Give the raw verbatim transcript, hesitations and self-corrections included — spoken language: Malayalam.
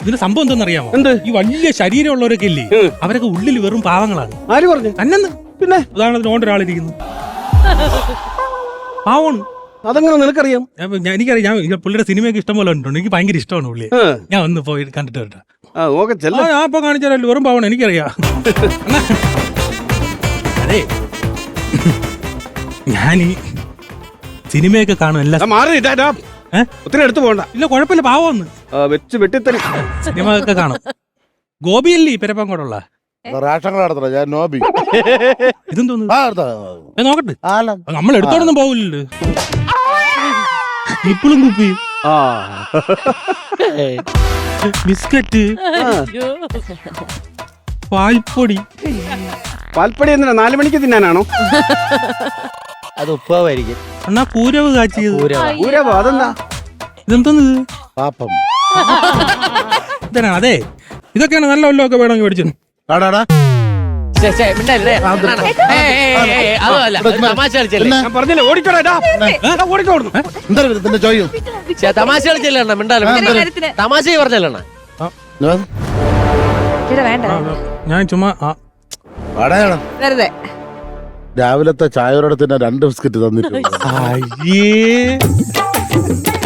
ഇതിന് സംഭവം എന്തെന്നറിയാമോ? എന്ത്? ഈ വലിയ ശരീരമുള്ളവരൊക്കെ ഇല്ലേ, അവരൊക്കെ ഉള്ളിൽ വെറും പാവങ്ങളാണ്. ആര് പറഞ്ഞു? തന്നെന്ന്. പിന്നെ ഉദാഹരണത്തിന് ഓണ്ട് ഒരാളിരിക്കുന്നു, പാവമാണ്. അതെങ്ങനെ നിനക്കറിയാം? ഞാൻ- ഞാൻ- എനിക്കറിയാം, ഞാൻ പുള്ളിയുടെ സിനിമയൊക്കെ ഇഷ്ടം പോലെ ഉണ്ട്. എനിക്ക് ഭയങ്കര ഇഷ്ടമാണ് പുള്ളി. ആ. ഞാൻ ഒന്ന് പോയി കണ്ടിട്ട് വരട്ടെ. ആ ഓക്കെ ആ, ചെല്ല. ഞാൻ ഇപ്പൊ കാണിച്ചാലോ, വെറും പാവണം, എനിക്കറിയാം. അണ്ണാ, അതെ ഞാനീ സിനിമയൊക്കെ കാണും എല്ലാ. മാറി ഇട്ടാ ഏ? ഒത്തിരി എടുത്തു പോകണ്ട. ഇല്ല, കുഴപ്പമില്ല, പാവമെന്ന്. ആ, വെച്ച് വെട്ടിത്തരി. സിനിമ ഒക്കെ കാണും. ഗോപിയല്ലേ പെരപ്പാങ്കോടുള്ള? റേഷൻ കാർഡ് എടുത്തോ, ഞാൻ നോബി. ഇതെന്തോന്നു? ആ, എടുത്തോ. ഏ, നോക്കട്ടെ. ആല. നമ്മൾ എടുത്തോടൊന്നും പോകില്ലല്ലോ. ഇപ്പോഴും കുപ്പി, ആ ബിസ്ക്കറ്റ്, പാൽപ്പൊടി. പാൽപ്പടി എന്തിനാ? നാലു മണിക്ക് തിന്നാനാണോ? അത് ഉപ്പാവായിരിക്കും. അണ്ണാ, കൂരവ് കാച്ചിയത്. ഊരവോ? അതെന്താ? ഇതെന്തോന്ന് ഇത്? പാപ്പം. ഇതന്നെ. അതെ, ഇതൊക്കെയാണ് നല്ല വല്ലതൊക്കെ വേണമെങ്കിൽ മേടിച്ചു. ആടാടാ. അതല്ല, തമാശ കളിച്ചല്ലേ, ഞാൻ പറഞ്ഞില്ലേ ഓടിക്കോടാ. ഓടിക്കോടുന്നു. എന്താ ഇതിന്റെ ചോദ്യം? ഛെ, തമാശ കളിച്ചല്ലേ അണ്ണ, മിണ്ടാലും തമാശ പറഞ്ഞല്ലേ അണ്ണ. വേണ്ട ഞാൻ ചുമ്മാ ആ, വാടകയാണ്. വെറുതെ രാവിലത്തെ ചായയോടെ തന്നെ രണ്ട് ബിസ്ക്കറ്റ് തന്നിട്ടുണ്ട്. അയ്യേ